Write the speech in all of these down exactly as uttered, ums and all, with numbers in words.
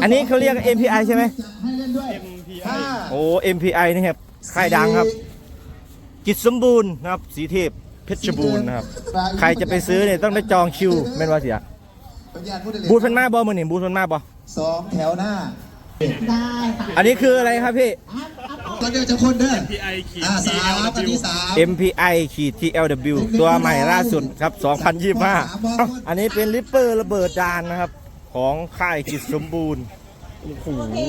อันนี้เขาเรียก เอ็ม พี ไอ ใช่ไหมเอ็ม พี ไอโอ้ เอ็ม พี ไอ นี่ครับค่ายดังครับจิตสมบูรณ์นะครับสีเทพเพชรบูรณ์นะครับใครจะไปซื้อเนี่ยต้องได้จองคิวแม่นว่าเสียบูธพันมาบอมือหนึ่งบูธพันมาบอสองแถวหน้าได้ค่ะอันนี้คืออะไรครับพี่ตอนเดียวจะคนเด้อเอ็ม พี ไอ ขีดอ่าทีสามแอลอันดับเบิลยูที่สามเอ็ม พี ไอ ขีด ที แอล ดับเบิลยู ตัวใหม่ล่าสุดครับสองพันยี่สิบห้าเอ้าอันนี้เป็นริปเปอร์ระเบิดจานนะครับของค่ายจิตสมบูรณ์โอ้โห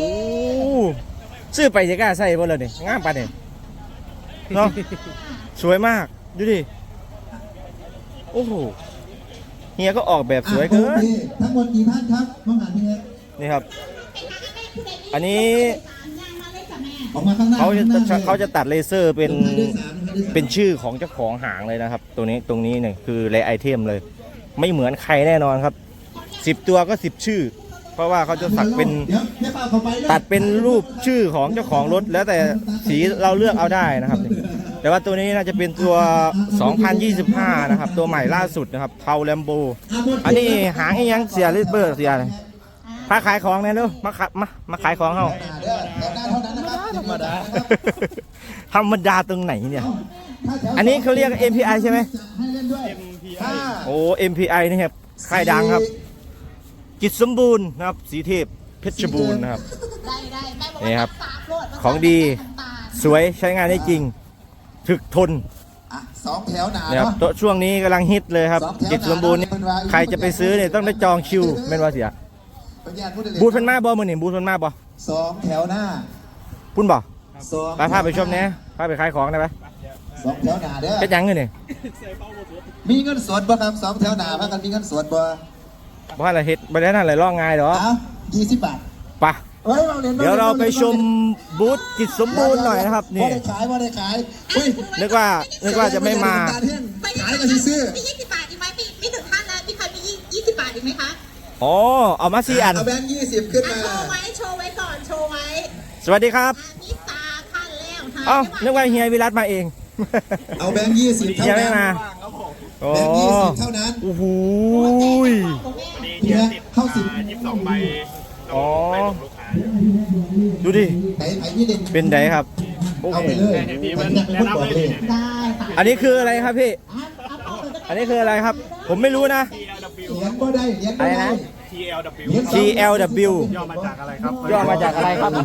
ซื้อไปจะกล้าใส่บ่เลยนี่งามปะเนี่ยเนาะสวยมากดูดิโอ้โหเฮียก็ออกแบบสวยเกินทั้งหมดกี่ท่านครับมองหาเฮียนี่ครับ อันนี้ออกมาข้างหน้าเขาจะข้งหน้เขาจะตัดเลเซอร์เป็นลงท้ายด้วยสามลงท้ายด้วยสามเป็นชื่อของเจ้าของหางเลยนะครับตรงนี้ตรงนี้เนี่ยคือเลไอเทมเลย ไม่เหมือนใครแน่นอนครับสิบตัวก็สิบชื่อ เพราะว่าเขาจะสักเป็นดี๋ยวดี๋ยวเปล่าเข้าไปนะตัดเป็นรูปชื่อของเจ้าของรถแล้วแต่สีเราเลือกเอาได้นะครับ แต่ว่าตัวนี้น่าจะเป็นตัว สองพันยี่สิบห้า นะครับตัวใหม่ล่าสุดนะครับเทาแลมโบอันนี้หางอีหยังเสียริเบอร์เสียเลยพาขายของเนี่ยเร็วมาขายมามาขายของเขาเด้อแถวหน้าเท่านั้นนะครับธรรมดาธรรมดาตรงไหนเนี่ยอันนี้เขาเรียก เอ็ม พี ไอ ใช่ไหมให้เล่นด้วยเอ็ม พี ไอโอ้ เอ็ม พี ไอ นี่ครับค่ายดังครับจิตสมบูรณ์นะครับสีเทพเพชรบูรณ์นะครับได้ได้แม่บอกนี่ว่าครับสามโลดของดี สวยใช้งานได้จริง ถึกทนอ่ะสองแถวหนานะครับเนาะตัวช่วงนี้กำลังฮิตเลยครับสองแถวจิตสมบูรณ์นี่หนาใครจะไปซื้อเนี่ยต้องได้จองคิวแม่นว่าเสียเป็นญาติผู้ใดบูธพันมาบอมือหนึ่งบูธพันมาบอสองแถวหน้าพุ่นบอสองไปพาไปชมเนี่ยพาไปขายของได้ไหมสองแถวหน้าเด้อเป็นยังไงเนี่ยมีเงินสดบ่ครับสองแถวหน้าพากันมีเงินสดบ่บ้านอะไรเฮ็ดบ้านนั้นอะไรร่องง่ายเหรอเอ้ายี่สิบบาทไปะเอ้ยเราเรียนเดี๋ยวเราไปชมบูธจิตสมบูรณ์หน่อยนะครับบ่นี่ได้ขายบ่ได้ขายอุ้ยนึกว่านึกว่าจะไม่มาขายก็สิซื้อมียี่สิบบาทอีกไหมมีมีถึงท่านแล้วมีใครมียี่สิบบาทอีกไหมคะอ๋อเอามาสี่อันเอาแบงค์ยี่สิบขึ้นอ่ะมาโชว์ไว้โชว์ไว้ก่อนโชว์ไว้สวัสดีครับอ่ะนี่ตาท่านแล้วค่ะเอ้านึกว่าเฮียวิรัตมาเองเอาแบงค์ยี่สิบเท่าเฮียไม่นั้นมาโอ้แบงค์ยี่สิบเท่านั้นโอ้โหของแม่เฮียเข้าสิบยี่สิบสองใบอ๋อไปส่งลูกค้าดูดิไหนไหนนี่เด่นเป็นไงครับโอ้เอาโหไปเลยมันจะเป็นผู้บอกเลยได้ค่ะอันนี้คืออะไรครับพี่อ่ะเอาเอาไปก็ได้อันนี้คืออะไรครับ ผมไม่รู้นะที แอล ดับเบิลยูเลี้ยงก็ได้เลี้ยงก็ได้ที แอล ดับเบิลยูที แอล ดับเบิลยูย่อมาจากอะไรครับย่อมาจากอะไรครับ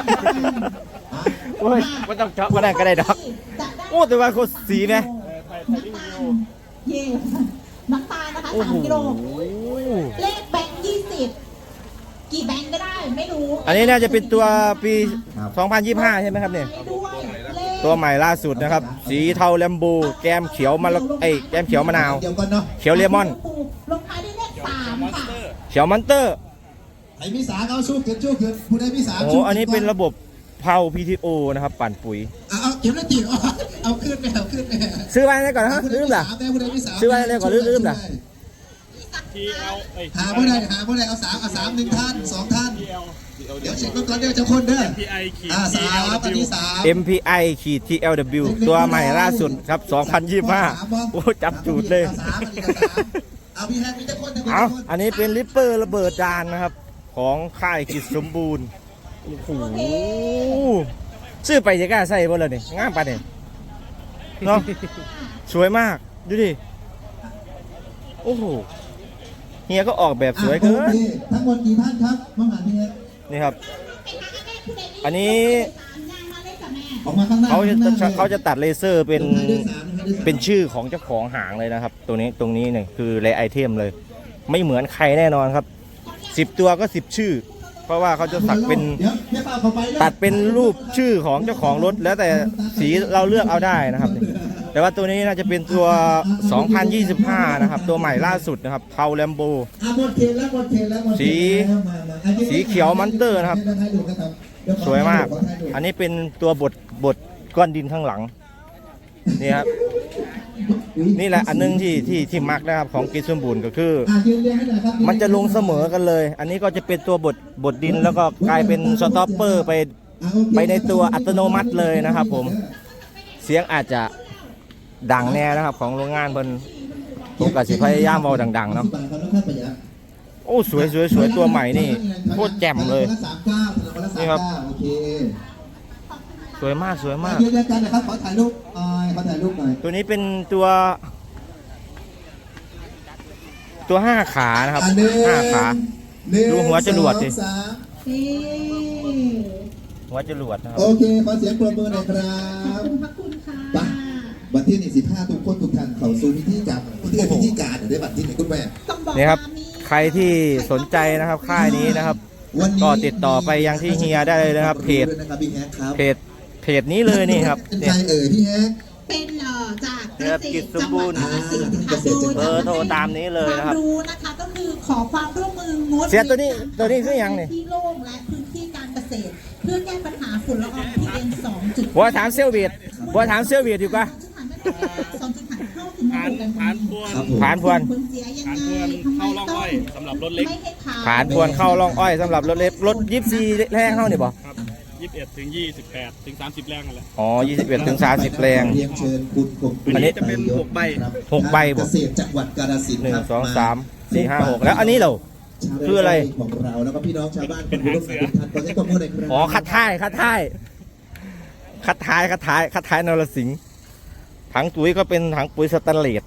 โอ้ยไม่ต้องเจาะก็ได้ก็ได้ดอกโอ้แต่ว่าโคตรสีไหมไทยไทยลิงวิวเย่น้ำตาลนะคะโอ้สาโหมกิโลเลขแบงค์ยี่สิบกี่แบงค์ก็ได้ไม่รู้อันนี้น่าจะเป็นตัวปี สองพันยี่สิบห้า ใช่ไหมครับเนี่ยด้วยเลขตัวใหม่ล่าสุดนะครับ สีเทาแลมโบแก้มเขียวมะละไอยแก้มเขียวมะนาวเดี๋ยวก่อนเนาะเขียวเลมอนลงท้ายด้วยเลขสามค่ะเขียวมันเตอร์ไอ้มีสาเขาสู้เกินสู้เกินผู้ใดมีสาโอ้สู้อันนี้เป็นระบบเผา พี ที โอ นะครับปั่นปุ๋ยเอาเอาเก็บแล้วตีเอาเอาขึ้นไปเอาขึ้นไปซื้อไว้ได้ก่อนนะลืมเหรอผู้ใดมีสามซื้อไว้ได้ก่อนลืมๆเหรอทีเอลเอ้ยหาผู้ใดหาผู้ใดเอาสามเอาสามหนึ่งท่านสองท่านทีเอลเดี๋ยวเช็คก่อนเดี๋ยวจะคนเด้อพีไอขีดอ่าทีสาแอมลดับอันเบิลยูที่สามเอ็ม พี ไอ ขีด ที แอล ดับเบิลยู ตัวใหม่ล่าสุดครับ สองพันยี่สิบห้า โอ้จับจูดเลยอาสามอันนี้ก็สามเอาพี่แฮกมีแต่คนแต่คนเอาแต่คนอันนี้เป็นริปเปอร์ระเบิดจานนะครับ ของค่ายจิตสมบูรณ์โอ้โหซื้อไปจะกล้าใส่บ่เลยนี่งามปะเนี่ยเนาะสวยมากดูดิโอ้โหเฮียก็ออกแบบสวยเกิอ่ะโอน เคทั้งหมดกี่ท่านครับมองหาพี่แฮกนี่ครับ อันนี้ออกมาข้างหน้าเขาจะข้งหน้ลยเขาจะตัดเลเซอร์เป็นลงท้ายด้วยสามลงท้ายด้วยสามเป็นชื่อของเจ้าของหางเลยนะครับ ตัวนี้ตรงนี้เนี่ยคือเลไอเทมเลย ไม่เหมือนใครแน่นอนครับสิบตัวก็สิบชื่อ เพราะว่าเขาจะสักเป็นดี๋ยวดี๋ยวเปล่าเข้าไปนะตัดเป็นรูปชื่อของเจ้าของรถแล้วแต่สีเราเลือกเอาได้นะครับ แต่ว่าตัวนี้น่าจะเป็นตัว สองพันยี่สิบห้า นะครับ ตัวใหม่ล่าสุดนะครับเทาแลมโบอ่ะหมดเขตแล้วหมดเขตแล้วหมดเขตสีแล้วมามาอันนี้สีเขียวมันเตอร์นะครับให้ให้ดูครับเดี๋ขอสวยมากขอให้ดูอันนี้เป็นตัวบดบดก้อนดินข้างหลังนี่ครับอุ๊ยนี่แหละอันนึงที่ที่ที่มักนะครับของกิจสมบูรณ์ก็คืออ่ะยืนเรียงให้หน่อยครับมันจะลงเสมอกันเลย อันนี้ก็จะเป็นตัวบดบดดินแล้วก็กลายเป็นสต็อปเปอร์ไปอ่ะโอเคไปในตัวอัตโนมัติเลยนะครับผม เสียงอาจจะดังแน่นะครับของโรงงานเพิ่นผมก็สิพยายามเบาดังๆเนาะสิบบทครับแล้วค่อยประหยัดโอ้สวยสวยสวยตัวใหม่นี่โคตรแจ่มเลยสามเก้านี่ครับโอเคสวยมากสวยมากเดี๋ยวกันนะครับขอถ่ายรูปหน่อยขอถ่ายรูปหน่อยตัวนี้เป็นตัว ตัวห้าขานะครับอ่ะหนึ่งห้าขาหนึ่งดูหัวจรวดดิสองสามนี่หัวจรวดนะครับโอเคขอเสียงปรบมือหน่อยครัขอบบ คุณพระคุณค่ะไป วันที่หนึ่งสิบห้าทุกคนทุกท่านเข้าสู่พิธีการพิธีพิธีการเดี๋ยวได้บัตรที่ไหนคุณแม่ต้องบอกนี่ครับว่ามีใครที่สนใจนะครับค่ายนี้นะครับวันนี้ก็ติดต่อไปยังที่เฮียได้เลยนะครับเพจด้วยนะครับพี่แฮกครับเพจเพจนี้เลยนี่ครับเป็นเนี่ใครยเอ่ยพี่แฮกเป็นเอ่อจากเกครับษกิตจรสจัมงหบูวัดรณ์กาฬสินธุ์ค่ะเกษตรจังหวัดเบอร์โทรตามนี้เลยนะครับวามรู้นะคะก็คือขอความร่วมมืองดเสียตัวนี้ตัวนี้คือยังนี่ที่โล่งและพื้นที่การเกษตร เพื่อแก้ปัญหาฝุ่นละออง พี เอ็ม สองจุดบัวถามเซลเวียดบัวถามเซลเวียดอยู่กะสองจุดห้าเข้าถึงผ่านระบบผ่านพวนครับผมผ่านพวนผลเสียยังผ่านไงพวนเข้าร่องอ้อยสำหรับรถเล็กไม่ให้ขาวผ่านพวนเข้าร่องอ้อยสำหรับรถเล็กรถยิปซีแรงเข้านี่บ่ครับยี่สิบเอ็ดถึงยี่สิบแปดถึงสามสิบแรงนั่นแหละอ๋อยี่สิบเอ็ดถึงสามสิบแรงเรียนเชิญคุณกบอันนี้จะเป็นหกใบครับหกใบบ่เกษตรจังหวัดกาฬสินธุ์หนึ่งครับสองสามสี่ห้าหกแล้วอันนี้เหรอ คืออะไรของเราแล้วก็พี่น้องชาวบ้านเป็นหางเสือทุกท่านขอให้ความร่วมมือหน่อยครับอ๋อคัดท้ายคัดท้ายคัดท้ายคัดท้ายคัดท้ายนรสิงห์ถังปุ๋ยก็เป็นถังปุ๋ยสแตนเลส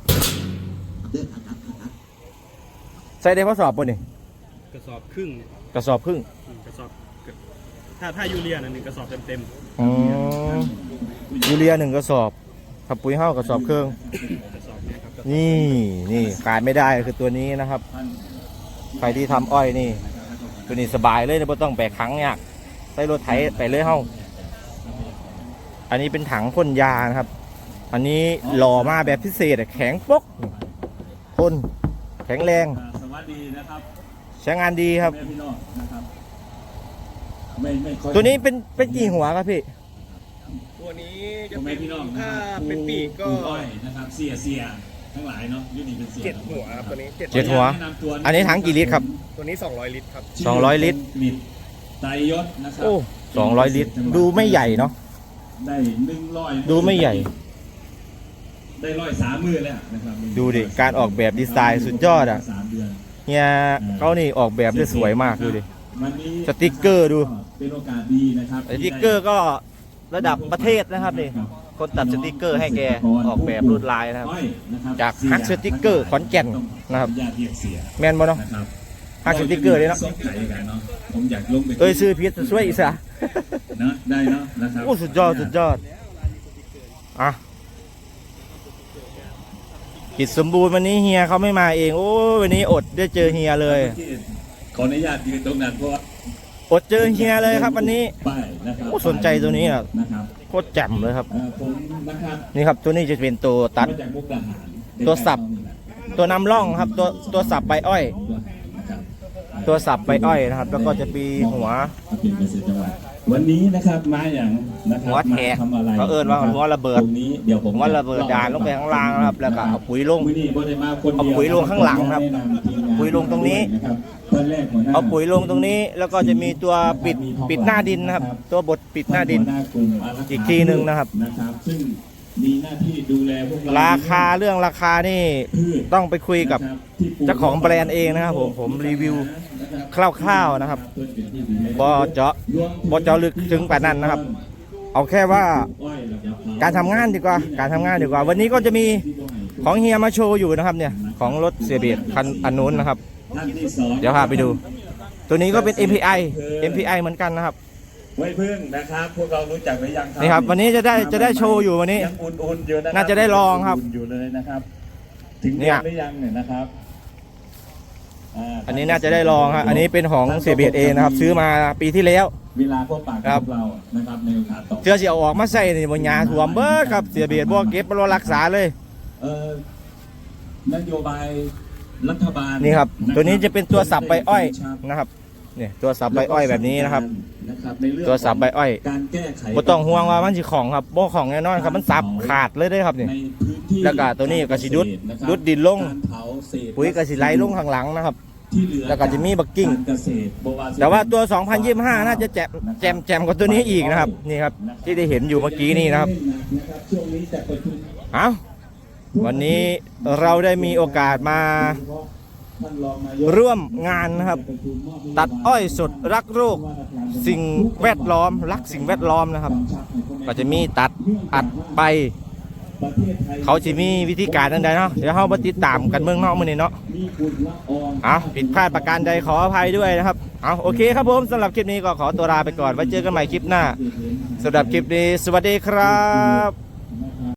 ใส่ได้ข้อสอบป่ะนี่กระสอบครึ่งกระสอบครึ่งอืมกระสอบเกือบถ้าถ้ายูเรียน่ะหนึ่งกระสอบเต็มอ๋อยูเรียหนึ่งกระสอบขับปุ๋ยเห้ากระสอบเครื่องๆกระสอบเนี้ครับนี่นี่ขาดไม่ได้คือตัวนี้นะครับ ใครที่ทำอ้อยนี่ ตัวนี้สบายเลยไม่ต้องแบกถังยากใส่รถไถไปเลยเฮ้าอันนี้เป็นถังพ่นยานะครับ อันนี้หล่อมาแบบพิเศษอะแข็งปกทนแข็งแรงสวัสดีนะครับใช้งานดีครับแม่พี่น้องนะครับไม่ไม่ค่อยตัวนี้เป็นเป็นกี่หัวครับพี่ตัวนี้จะพ่อเป็แม่นพี่น้องนะถ้าครับเป็นปีกก็ปลูอ้อยนะครับเสียเสียทั้งหลายเนาะยูนี่เป็นเสียเจ็ดหัวครับตัวนี้เจ็ดเจ็ดหัวแนะนำตัวอันนี้ถังกี่ลิตรครับตัวนี้สองร้อยลิตรครับสองร้อยลิตรลิตรไตรยศนะครับโอ้สองร้อยลิตร ดูไม่ใหญ่เนาะได้หนึ่งร้อยดูไม่ใหญ่ได้ร้อยสามมือแล้วนะครับดูดิการออกแบบดีไซน์สุดยอดอ่ะสามเดือนเฮียเขานี่ออกแบบได้สวยมากดูดิวันนี้สติ๊กเกอร์ดูเป็นโอกาสดีนะครับสติ๊กเกอร์ก็ระดับประเทศนะครับนี่คนตัดสติ๊กเกอร์ให้แกออกแบบลวดลายนะครับอ้อยนะครับจากฮักสติ๊กเกอร์ขอนแก่นนะครับญาติเรียกเสียแมนบ่เนาะนะครับฮักสติ๊กเกอร์เลยเนาะสงสัยกันเนาะผมอยากลงไปเอ้ยซื้อพีชช่วยอีกซะเนาะได้เนาะนะครับโอ้สุดยอดสุดยอดอ่ะกิจสมบูรณ์วันนี้เฮียเขาไม่มาเองโอ้วันนี้อดได้เจอเฮียเลยขออนุญาตยืนตรงนั้นเพราะว่าอดเจอเฮียเลยครับวันนี้ป้ายนะครับโอ้สนใจตัวนี้อ่ะนะครับโคตรแจ่มเลยครับเอ่อผมนะครับนี่ครับตัวนี้จะเป็นตัวตัดมาจากมุกดาหารตัวสับ ตัวนำร่องครับ ตัวตัวสับใบอ้อยตัวหางนะครับตัวสับใบอ้อยนะครับ แล้วก็จะมีหัวเป็นเกษตรจังหวัดวันนี้นะครับมาอย่างนะครับหัวแทกมาทำอะไรเขาเอิ้นว่าหัวระเบิดตรงนี้เดี๋ยวผมหัวระเบิดดานลงไปข้างล่างนะครับแล้วก็เอาปุ๋ยลงมื้อนี้บ่ได้มาคนเดียวเอาปุ๋ยลงข้างหลังครับแนะนำทีมงานปุ๋ยลงตรงนี้นะครับท่านแรกหัวหน้าเอาปุ๋ยลงตรงนี้ แล้วก็จะมีตัวปิดปิดหน้าดินนะครับ ตัวบดปิดหน้าดินหัวหกลุ่มอารักขาอีกทีหนึ่งนะครับนะครับ ซึ่งมีหน้าที่ดูแลพวกเราราคาเรื่องราคานี่พืชต้องไปคุยกับนะครับที่ปลูกเจ้าของแบรนด์เองนะครับผมผมรีวิวคร่าวๆนะครับเพื่อเป็นที่ดูแลบอเจาะบอเจาะลึกถึงป่านนั้นนะครับ เอาแค่ว่าการทำงานดีกว่า การทำงานดีกว่า วันนี้ก็จะมีของเฮียมาโชว์อยู่นะครับเนี่ยของรถเสียเบียดคันอันนู้นนะครับท่านที่สองเดี๋ยวพาไปดู ตัวนี้ก็เป็น เอ็ม พี ไอ เอ็ม พี ไอ เหมือนกันนะครับไว้พึ่งนะครับ พวกเรารู้จักหรือยังนี่ครับวันนี้จะได้จะได้โชว์อยู่วันนี้ยังอุ่นๆอยู่นะครับน่าจะได้ลองครับอุ่นๆอยู่เลยนะครับ ถึงเนี่เดือย นหรือยังเนี่ยนะครับาอันนี้น่าจะได้ลองครับอันนี้เป็นของเสียเบียดเองนะครับ ซื้อมาปีที่แล้วเวลาพบปะครักับบ พวกเรานะครับในโอกาสต่อเสื้อสีเอาออกมาใส่นี่บนยาถ่วมเบิดครับเสียเบียดบ่เก็บบ่รักษาเลยเอ่อนโยบายรัฐบาลนี่ครับะตัวนี้จะเป็นตัวสับใบอ้อยนะครับเนี่ยตัวสับใบอ้อยแบบนี้นะครับนะครับในเรื่องตัวสับใบอ้อยการแก้ไขบ่ต้องห่วงว่ามันสิของครับบ่ของแน่นอนครับมันสับขาดเลยเด้อครับนี่ในพื้นที่แล้วก็ตัวนี้ก็สิดุดนะครับดุดดินลงการเผาเศษปุ๋ยก็สิไหลลงข้างหลังนะครับที่เหลือแล้วก็จะมีบักกิ้งารเกษตรบ่สิแต่ว่าตัว สองพันยี่สิบห้า น่าจะแจ่มแจ่มแจ่มกว่าตัวนี้อีกนะครับนี่ครับที่ได้เห็นอยู่เมื่อกี้นี่นะครับนะครับช่วงนี้จะประชุมเอาวันนี้เราได้มีโอกาสมาท่านรองนายกร่วมงานนะครับประชุมมอบนโยบายตัดอ้อยสดรักโรคสิ่งแวดล้อมรักสิ่งแวดล้อมนะครับ ก็จะมีตัดอัดใบประเทศไทยเขาจะมีวิธีการใดๆเนาะเดี๋ยวเรามาติดตามกันเมืองนอกมื้อนี้เนาะมีฝุ่นละอองเอาผิดพลาดประการใดขออภัยด้วยนะครับเอาโอเคครับผมสำหรับคลิปนี้ก็ขอตัวลาไปก่อนไว้เจอกันใหม่คลิปหน้าสำหรับคลิปนี้สวัสดีครับ